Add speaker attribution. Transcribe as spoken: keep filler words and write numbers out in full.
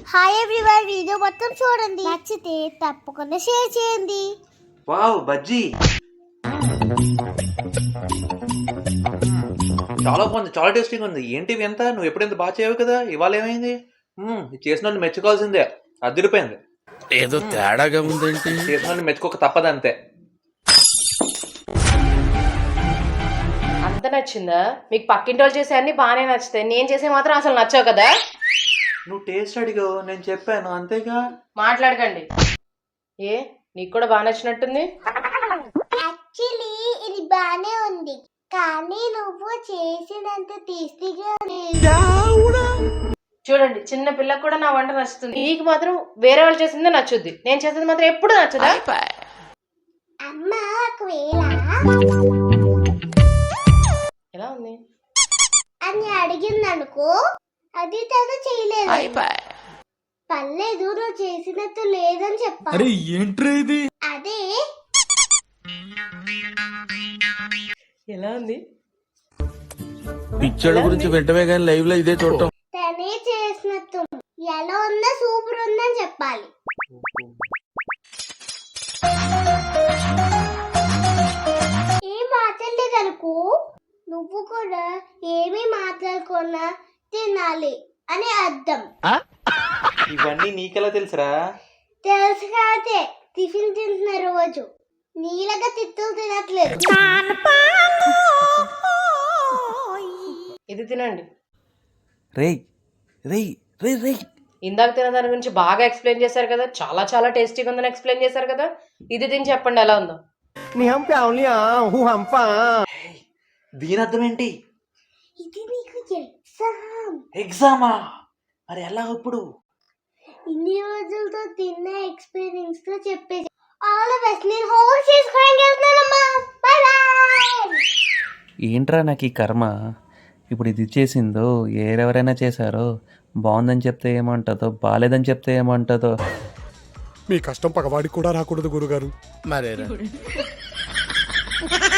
Speaker 1: Hi everyone, video మొత్తం చూడండి, నచ్చితే తప్పకుండా షేర్ చేయండి.
Speaker 2: వావ్ బజ్జీ చాలా బాగుంది, చాలా టేస్టీగా ఉంది. ఏంటి ఇవి ఎంత? నువ్వు ఎప్పుడు ఇంత బాగా చేయవు కదా, ఇవాళ ఏమైంది? మ్మ్, ఇది చేసిన వాళ్ళు మెచ్చుకోవాల్సిందే, అదిరిపోయింది.
Speaker 3: ఏదో తేడాగా ఉందేంటి?
Speaker 2: చేసిన వాళ్ళు మెచ్చుకోక తప్పదు అంతే.
Speaker 4: అంత నచ్చిందా? మీకు పక్కింటి వాళ్ళు చేసే అన్ని బాగానే నచ్చుతాయి, నేను చేసే మాత్రం అసలు నచ్చావు కదా.
Speaker 2: నువ్వు టేస్ట్ అడిగావు, నేను చెప్పాను అంతేగా.
Speaker 4: మాట్లాడకండి. ఏ నీకు కూడా బాగా నచ్చినట్టుంది.
Speaker 1: యాక్చువల్లీ ఇది బానే ఉంది, కానీ నువ్వు చేసినంత టేస్టీగా లేదు.
Speaker 4: చూడండి, చిన్న పిల్లకి కూడా నా వంట నచ్చుతుంది, నీకు మాత్రం వేరే వాళ్ళు చేసిందే నచ్చుద్ది, నేను చేసింది మాత్రం ఎప్పుడు నచ్చదా?
Speaker 1: అమ్మ ఒకవేళ
Speaker 4: ఎలా ఉంది
Speaker 1: అని అడిగింది అనుకో, అది తను చేయలేదు, పర్లేదు నువ్వు చేసినట్టు లేదని చెప్పాలి.
Speaker 3: ఏంట్రీ
Speaker 1: అదే
Speaker 4: ఎలా ఉంది?
Speaker 3: పిక్చర్ గురించి వెంటనే కానీ లైవ్ లో ఇదే చూడటం.
Speaker 1: తనే చేసినట్టు ఎలా ఉందో సూపర్ ఉందని చెప్పాలి. ఏం మాట్లాడలేదు అనుకో, నువ్వు కూడా ఏమీ మాట్లాడుకున్నా తినాలి అని అర్థం.
Speaker 2: ఇవన్నీ నీకెలా తెలుసురా?
Speaker 1: తెలుసు కాదే, టిఫిన్ తింటున్న రోజు నీళ్ళగా తిట్టులు తినట్లేదు.
Speaker 4: ఇది తినండి.
Speaker 3: రేయ్ రేయ్ రేయ్ రేయ్
Speaker 4: ఇందాక తిన దాని గురించి బాగా ఎక్స్ప్లెయిన్ చేశారు కదా, చాలా చాలా టేస్టీగా ఉందని ఎక్స్ప్లెయిన్ చేశారు కదా, ఇది తిని చెప్పండి ఎలా ఉందో.
Speaker 2: దీని అర్థం ఏంటి?
Speaker 1: ఇది నీకు ఎగ్జామ్.
Speaker 2: ఎగ్జామా? మరి ఎలా ఇప్పుడు?
Speaker 1: ఇన్ని రోజులతో తిన్న ఎక్స్పీరియన్స్ తో చెప్పేసి ఆల్ ద బెస్ట్. నేను హోంవర్క్ చేసుకోవడానికి వెళ్తున్నానమ్మా, బై బై.
Speaker 5: ఏంట్రా నాకు ఈ కర్మ, ఇప్పుడు ఇది చేసిందో ఎవరెవరైనా చేశారో, బాగుందని చెప్తే ఏమంటుందో, బాగాలేదని చెప్తే ఏమంటుందో.
Speaker 6: మీ కష్టం పగవాడికి కూడా రాకూడదు గురుగారు.
Speaker 3: మరేరా